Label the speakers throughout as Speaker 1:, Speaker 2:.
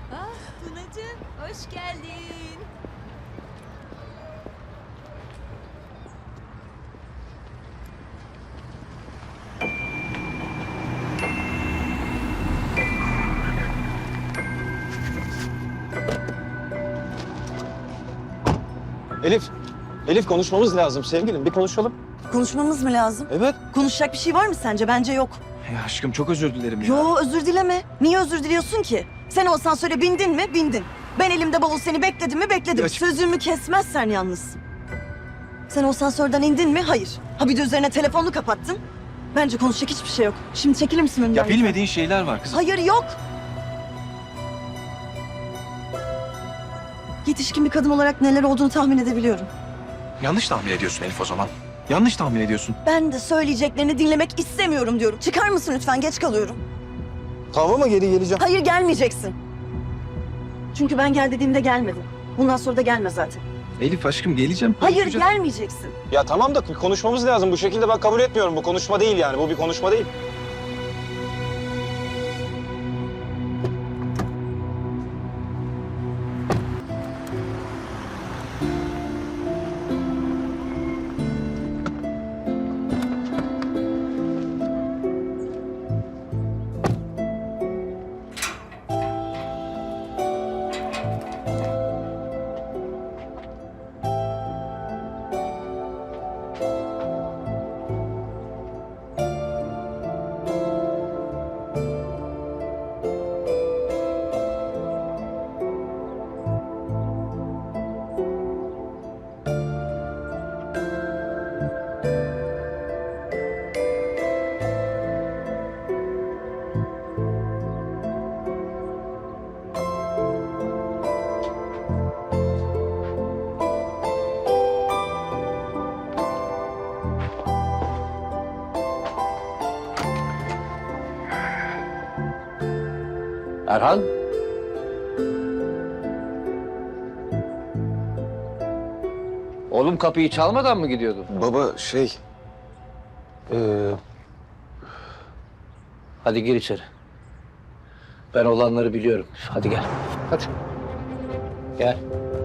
Speaker 1: Ah Tunacığım, hoş geldin.
Speaker 2: Elif konuşmamız lazım sevgilim. Bir konuşalım.
Speaker 3: Konuşmamız mı lazım?
Speaker 2: Evet.
Speaker 3: Konuşacak bir şey var mı sence? Bence yok.
Speaker 2: Ya aşkım çok özür dilerim ya.
Speaker 3: Yo, özür dileme. Niye özür diliyorsun ki? Sen o asansöre bindin mi? Bindin. Ben elimde bavul seni bekledim mi? Bekledim.
Speaker 2: Ya-
Speaker 3: Sözümü kesmezsen yalnız. Sen o asansörden indin mi? Hayır. Ha bir de üzerine telefonunu kapattın. Bence konuşacak hiçbir şey yok. Şimdi çekilir misin önümden?
Speaker 2: Ya bilmediğin şeyler var kızım.
Speaker 3: Hayır, yok. Yetişkin bir kadın olarak neler olduğunu tahmin edebiliyorum.
Speaker 2: Yanlış tahmin ediyorsun Elif o zaman. Yanlış tahmin ediyorsun.
Speaker 3: Ben de söyleyeceklerini dinlemek istemiyorum diyorum. Çıkar mısın lütfen? Geç kalıyorum.
Speaker 2: Tamam ama geri geleceğim.
Speaker 3: Hayır, gelmeyeceksin. Çünkü ben gel dediğimde gelmedin. Bundan sonra da gelme zaten.
Speaker 2: Elif aşkım geleceğim.
Speaker 3: Hayır,
Speaker 2: konuşacağız.
Speaker 3: gelmeyeceksin.
Speaker 2: Ya tamam da konuşmamız lazım. Bu şekilde ben kabul etmiyorum. Bu konuşma değil yani. Bu bir konuşma değil.
Speaker 4: Erhan? Oğlum kapıyı çalmadan mı gidiyordun?
Speaker 2: Baba şey...
Speaker 4: Hadi gir içeri. Ben olanları biliyorum. Hadi gel. Hadi. Gel.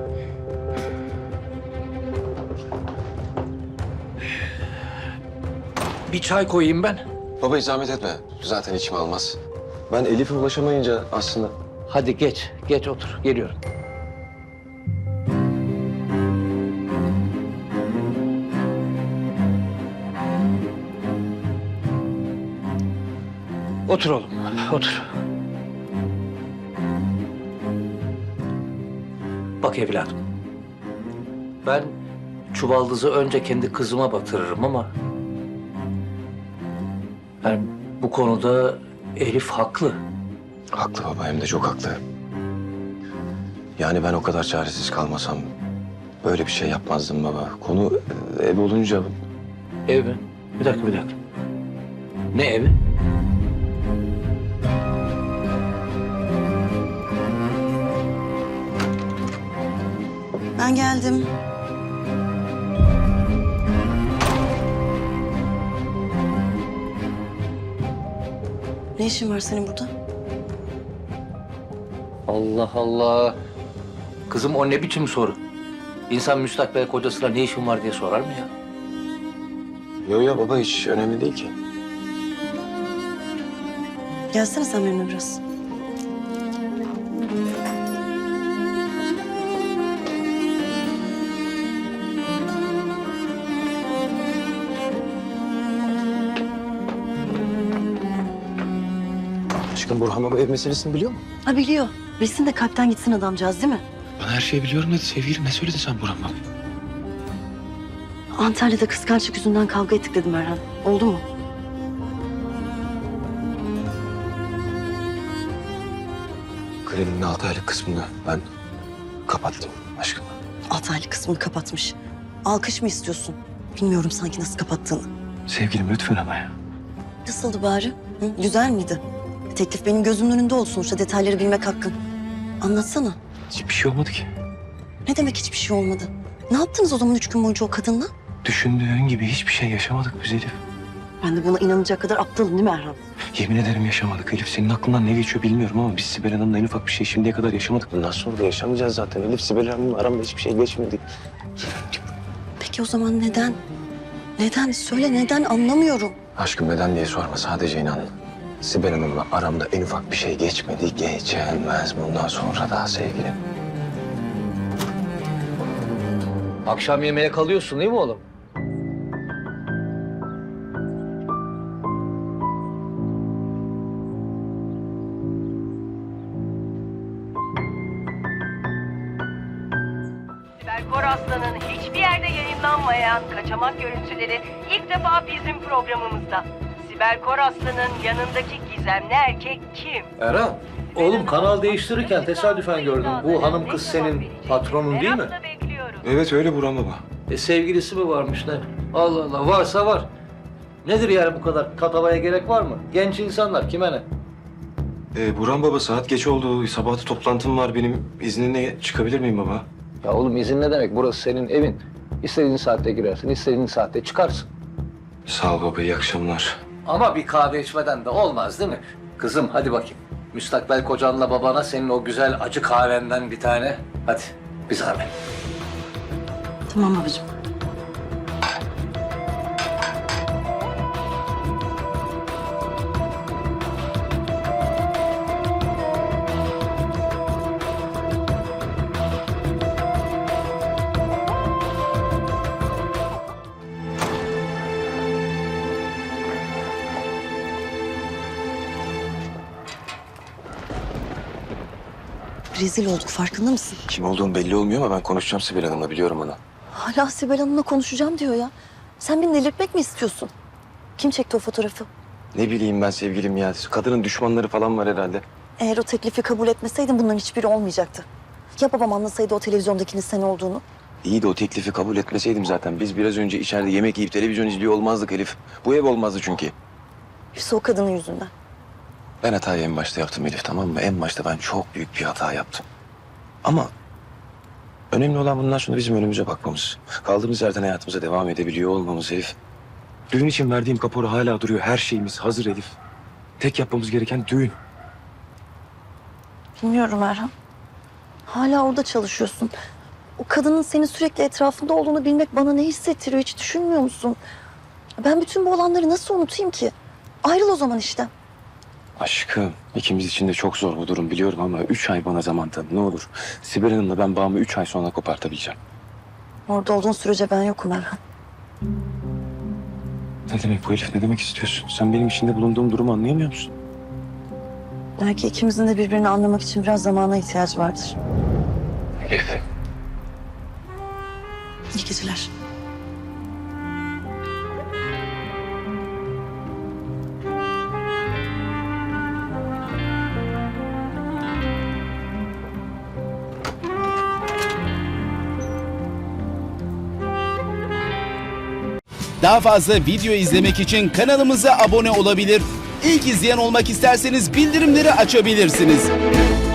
Speaker 4: Bir çay koyayım ben.
Speaker 2: Baba zahmet etme. Zaten içim almaz. Ben Elif'e ulaşamayınca aslında...
Speaker 4: Hadi geç. Geç otur. Geliyorum. Otur oğlum. Otur. Bak evladım. Ben çuvaldızı önce kendi kızıma batırırım ama... Yani bu konuda Elif haklı.
Speaker 2: Haklı baba, hem de çok haklı. Yani ben o kadar çaresiz kalmasam böyle bir şey yapmazdım baba. Konu ev olunca...
Speaker 4: Ev mi? Bir dakika. Ne evi?
Speaker 3: Ben geldim. Ne işin var senin burada?
Speaker 4: Allah Allah. Kızım o ne biçim soru? İnsan müstakbel kocasına ne işin var diye sorar mı ya?
Speaker 2: Yo baba, hiç önemli değil ki.
Speaker 3: Gelsene sen benimle biraz.
Speaker 2: Aşkım Burhan baba ev meselesini biliyor mu?
Speaker 3: Ha biliyor. Bilsin de kalpten gitsin adamcağız değil mi?
Speaker 2: Ben her şeyi biliyorum dedi sevgilim. Ne söyledin sen Burhan baba?
Speaker 3: Antalya'da kıskançlık yüzünden kavga ettik dedim Erhan. Oldu mu?
Speaker 2: Kredinin 6 aylık kısmını ben kapattım aşkım.
Speaker 3: 6 aylık kısmını kapatmış. Alkış mı istiyorsun? Bilmiyorum sanki nasıl kapattığını.
Speaker 2: Sevgilim lütfen ama ya.
Speaker 3: Nasıldı bari? Hı? Güzel miydi? Teklif benim gözümün önünde olsun. Sonuçta detayları bilmek hakkın. Anlatsana.
Speaker 2: Hiçbir şey olmadı ki.
Speaker 3: Ne demek hiçbir şey olmadı? Ne yaptınız o zaman 3 gün boyunca o kadınla?
Speaker 2: Düşündüğün gibi hiçbir şey yaşamadık biz Elif.
Speaker 3: Ben de buna inanacak kadar aptalım değil mi Erhan?
Speaker 2: Yemin ederim yaşamadık Elif. Senin aklından ne geçiyor bilmiyorum ama biz Sibel Hanım'la en ufak bir şey şimdiye kadar yaşamadık. Bundan sonra da yaşamayacağız zaten. Elif, Sibel Hanım'la aramda hiçbir şey geçmedi.
Speaker 3: Peki o zaman neden? Neden? Söyle neden, anlamıyorum.
Speaker 2: Aşkım neden diye sorma, sadece inan. Sibel Hanım'la aramda en ufak bir şey geçmedi. Geçemez bundan sonra da sevgilim.
Speaker 4: Akşam yemeğe kalıyorsun değil mi oğlum?
Speaker 5: Sibel Koraslan'ın hiçbir yerde yayınlanmayan kaçamak görüntüleri ilk defa bizim programımızda. Sibel Koraslan'ın yanındaki gizemli erkek kim?
Speaker 4: Erhan, oğlum kanal değiştirirken tesadüfen gördüm. Bu hanım kız senin patronun değil mi?
Speaker 5: Merakla bekliyoruz.
Speaker 2: Evet öyle Burhan baba.
Speaker 4: Sevgilisi mi varmış ne? Allah Allah, varsa var. Nedir yani bu kadar tatavaya gerek var mı? Genç insanlar kime ne?
Speaker 2: Burhan baba, saat geç oldu. Sabahta toplantım var benim. İzninle çıkabilir miyim baba?
Speaker 4: Ya oğlum izin ne demek? Burası senin evin. İstediğin saatte girersin, istediğin saatte çıkarsın.
Speaker 2: Sağ ol baba, iyi akşamlar.
Speaker 4: Ama bir kahve içmeden de olmaz değil mi? Kızım hadi bakayım. Müstakbel kocanla babana senin o güzel acı kahvenden bir tane. Hadi bir zahmet.
Speaker 3: Tamam babacığım. Rezil olduk, farkında mısın?
Speaker 2: Kim olduğum belli olmuyor ama ben konuşacağım Sibel Hanım'la, biliyorum onu.
Speaker 3: Hala Sibel Hanım'la konuşacağım diyor ya. Sen beni delirtmek mi istiyorsun? Kim çekti o fotoğrafı?
Speaker 2: Ne bileyim ben sevgilim ya. Kadının düşmanları falan var herhalde.
Speaker 3: Eğer o teklifi kabul etmeseydin bunların hiçbiri olmayacaktı. Ya babam anlasaydı o televizyondakinin sen olduğunu?
Speaker 2: İyi de o teklifi kabul etmeseydim zaten biz biraz önce içeride yemek yiyip televizyon izliyor olmazdık Elif. Bu ev olmazdı çünkü.
Speaker 3: Hepsi o kadının yüzünden.
Speaker 2: Ben hatayı en başta yaptım Elif, tamam mı? En başta ben çok büyük bir hata yaptım. Ama önemli olan bundan sonra bizim önümüze bakmamız. Kaldığımız yerden hayatımıza devam edebiliyor olmamız Elif. Düğün için verdiğim kapora hala duruyor. Her şeyimiz hazır Elif. Tek yapmamız gereken düğün.
Speaker 3: Bilmiyorum Erhan. Hala orada çalışıyorsun. O kadının senin sürekli etrafında olduğunu bilmek bana ne hissettiriyor, hiç düşünmüyor musun? Ben bütün bu olanları nasıl unutayım ki? Ayrıl o zaman işten.
Speaker 2: Aşkım, ikimiz için de çok zor bu durum biliyorum ama 3 ay bana zaman tanı ne olur. Sibel Hanım'la ben bağımı 3 ay sonra kopartabileceğim.
Speaker 3: Orada olduğun sürece ben yokum Erhan.
Speaker 2: Ne demek bu Elif? Ne demek istiyorsun? Sen benim içinde bulunduğum durumu anlayamıyor musun?
Speaker 3: Belki ikimizin de birbirini anlamak için biraz zamana ihtiyacı vardır.
Speaker 2: Elif.
Speaker 3: İyi geceler.
Speaker 6: Daha fazla video izlemek için kanalımıza abone olabilir. İlk izleyen olmak isterseniz bildirimleri açabilirsiniz.